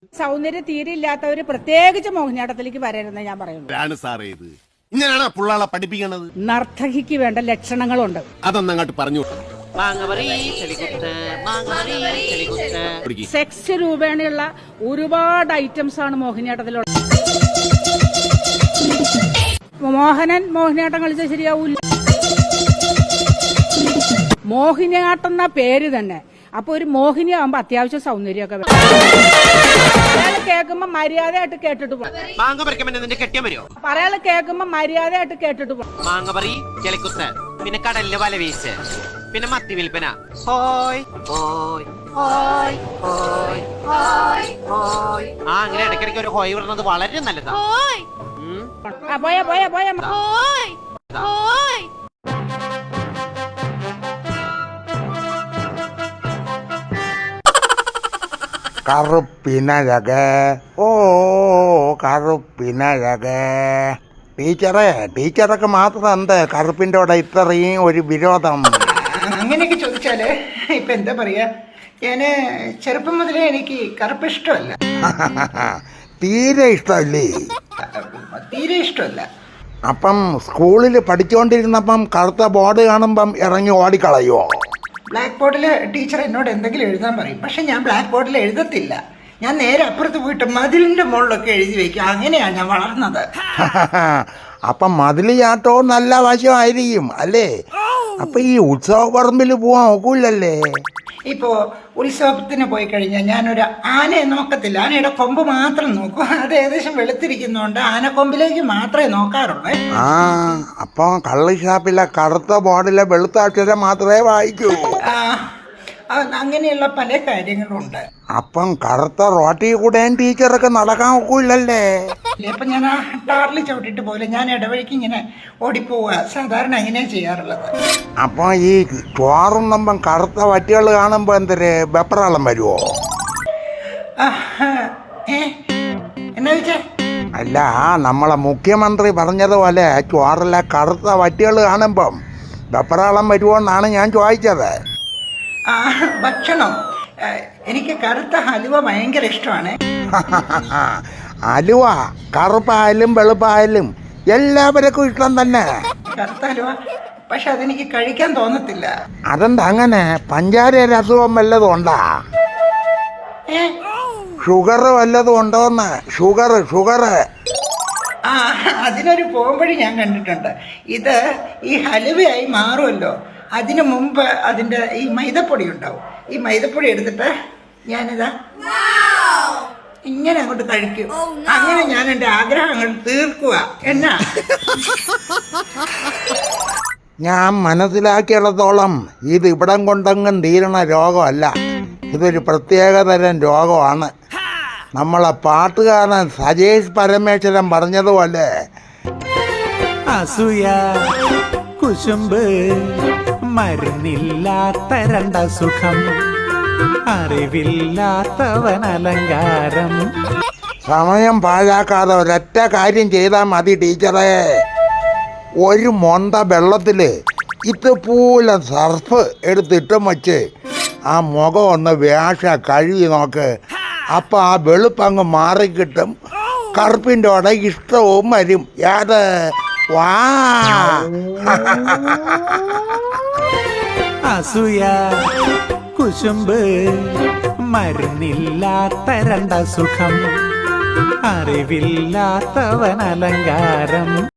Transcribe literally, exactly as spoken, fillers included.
സൗന്ദര്യ തീരെ ഇല്ലാത്തവര് പ്രത്യേകിച്ച് മോഹിനിയാട്ടത്തിലേക്ക് വരരുതെന്ന് ഞാൻ പറയുന്നു. സാറേ ഇത് ഇങ്ങനെയാണ് പിള്ളാളെ പഠിപ്പിക്കണത്. നർത്തകിക്ക് വേണ്ട ലക്ഷണങ്ങളുണ്ട്. അതൊന്നും അങ്ങോട്ട് പറഞ്ഞു. സെക്സ് രൂപേണയുള്ള ഒരുപാട് ഐറ്റംസ് ആണ് മോഹിനിയാട്ടത്തിലുള്ളത്. മോഹനൻ മോഹിനിയാട്ടം കളിച്ചാൽ ശരിയാവൂല. മോഹിനിയാട്ടം എന്ന പേര് തന്നെ. അപ്പൊ ഒരു മോഹിനി ആവുമ്പോ അത്യാവശ്യം സൗന്ദര്യമൊക്കെ വേണം. കേൾക്കുമ്പോ മര്യാദയായിട്ട് കേട്ടിട്ട് പോകും. പറയാള് കേൾക്കുമ്പോ മര്യാദയായിട്ട് കേട്ടിട്ട് പോകും. പിന്നെ കടലില് വല വീശ്, പിന്നെ മത്തി വിൽപ്പന. ഹോയ് ഹോയ് ഹോയ് ഹോയ് ഹോയ്. ആ അങ്ങനെ ഇടയ്ക്കിടയ്ക്ക് ഒരു ഹോയ് പറഞ്ഞത് വളരെ നല്ലതാ. പോയാ പോയാ പോയാ കറുപ്പിനഴക ഓ കറുപ്പിനഴക. ടീച്ചറെ ടീച്ചറൊക്കെ മാത്രം എന്ത് കറുപ്പിൻ്റെ കൂടെ ഇത്രയും ഒരു വിരോധം? അങ്ങനെയൊക്കെ ചോദിച്ചാല് ഇപ്പൊ എന്താ പറയാ, ഞാന് ചെറുപ്പം മുതലേ എനിക്ക് കറുപ്പ് ഇഷ്ടമല്ല. തീരെ ഇഷ്ടമല്ലേ? തീരെ ഇഷ്ടമല്ല. അപ്പം സ്കൂളിൽ പഠിച്ചുകൊണ്ടിരുന്നപ്പം കറുത്ത ബോർഡ് കാണുമ്പം ഇറങ്ങി ഓടിക്കളയോ? ബ്ലാക്ക് ബോർഡിൽ ടീച്ചർ എന്നോട് എന്തെങ്കിലും എഴുതാൻ പറയും, പക്ഷെ ഞാൻ ബ്ലാക്ക് ബോർഡിൽ എഴുതത്തില്ല. ഞാൻ നേരെ അപ്പുറത്ത് പോയിട്ട് മതിലിന്റെ മുകളിലൊക്കെ എഴുതി വെക്കും. അങ്ങനെയാണ് ഞാൻ വളർന്നത്. അപ്പം മതിൽ ചാട്ടവും നല്ല വശമായിരിക്കും അല്ലേ? അപ്പൊ ഈ ഉത്സവ പറമ്പിൽ പോവാൻ ഒക്കൂലല്ലേ? ഇപ്പോ ഉത്സവത്തിന് പോയി കഴിഞ്ഞാൽ ഞാനൊരു ആനയെ നോക്കത്തില്ല. ആനയുടെ കൊമ്പ് മാത്രം നോക്കും. അത് ഏകദേശം വെളുത്തിരിക്കുന്നതുകൊണ്ട് ആനക്കൊമ്പിലേക്ക് മാത്രമേ നോക്കാറുള്ളൂ. ആ അപ്പൊ കള്ള് ഷാപ്പിലെ കറുത്ത ബോർഡിലെ വെളുത്ത അക്ഷരം മാത്രമേ വായിക്കൂ. അങ്ങനെയുള്ള പല കാര്യങ്ങളുണ്ട്. അപ്പം കറുത്ത റോട്ടിൽ കൂടെയും ടീച്ചറൊക്കെ നടക്കാൻ ഒക്കൂലല്ലേ? അപ്പൊ ഞാൻ ആ ടാറിൽ ചവിട്ടിട്ട് പോലെ ഞാൻ ഇടവഴിക്ക് ഇങ്ങനെ ഓടിപ്പോവുക. സാധാരണ അങ്ങനെയാ ചെയ്യാറുള്ളത്. അപ്പൊ ഈ ചോറുന്നപ്പം കറുത്ത വറ്റികൾ കാണുമ്പോ എന്തൊരു വെപ്രാളം വരുവോ? എന്നാ വെച്ചാ? അല്ല, നമ്മളെ മുഖ്യമന്ത്രി പറഞ്ഞതുപോലെ ചോറിലെ കറുത്ത വറ്റികൾ കാണുമ്പം വെപ്രാളം വരുവോന്നാണ് ഞാൻ ചോദിച്ചത്. ആ ഭക്ഷണം എനിക്ക് കറുത്ത ഹലുവ ഭയങ്കര ഇഷ്ടമാണ്. ഹലുവ കറുപ്പായാലും വെളുപ്പായാലും എല്ലാവർക്കും ഇഷ്ടം തന്നെ. കറുത്ത ഹലുവ പക്ഷെ അതെനിക്ക് കഴിക്കാൻ തോന്നത്തില്ല. അതെന്താ അങ്ങനെ? പഞ്ചാര അസുഖം വല്ലതും ഉണ്ടാ? ഷുഗർ വല്ലതും ഉണ്ടോന്ന്? ഷുഗർ ഷുഗർ ആ അതിനൊരു പോകുമ്പോഴും ഞാൻ കണ്ടിട്ടുണ്ട്. ഇത് ഈ ഹലുവയായി മാറുമല്ലോ, അതിനു മുമ്പ് അതിൻ്റെ ഈ മൈദപ്പൊടി ഉണ്ടാവും. ഈ മൈദപ്പൊടി എടുത്തിട്ട് ഞാനിതാ ഇങ്ങനെ അങ്ങോട്ട് കഴിക്കും. അങ്ങനെ ഞാൻ എൻ്റെ ആഗ്രഹങ്ങൾ തീർക്കുക. എന്നാ ഞാൻ മനസ്സിലാക്കിയിടത്തോളം ഇത് ഇവിടം കൊണ്ടെങ്ങും തീരണ രോഗമല്ല. ഇതൊരു പ്രത്യേകതരം രോഗമാണ്. നമ്മളെ പാട്ടുകാരൻ സജേഷ് പരമേശ്വരൻ പറഞ്ഞതുപോലെ അസൂയ കുശുമ്പ് മരുന്നില്ലാത്ത രണ്ട സുഖം, അറിവില്ലാത്തവൻ അലങ്കാരം. സമയം പാഴാക്കാതെ ഒരൊറ്റ കാര്യം ചെയ്താൽ മതി ടീച്ചറെ. ഒരു മൊണ്ട വെള്ളത്തിൽ ഇതുപോലെ സർഫ് എടുത്തിട്ടും വച്ച് ആ മുഖം ഒന്ന് വേഷ കഴുകി നോക്ക്. അപ്പം ആ വെളുപ്പങ്ങ് മാറിക്കിട്ടും. കറുപ്പിൻ്റെ കൂടെ ഇഷ്ടവും വരും. ഏത് വാ അസൂയ കുശുമ്പ് മരുന്നില്ലാത്ത രണ്ട സുഖം, അറിവില്ലാത്തവൻ അലങ്കാരം.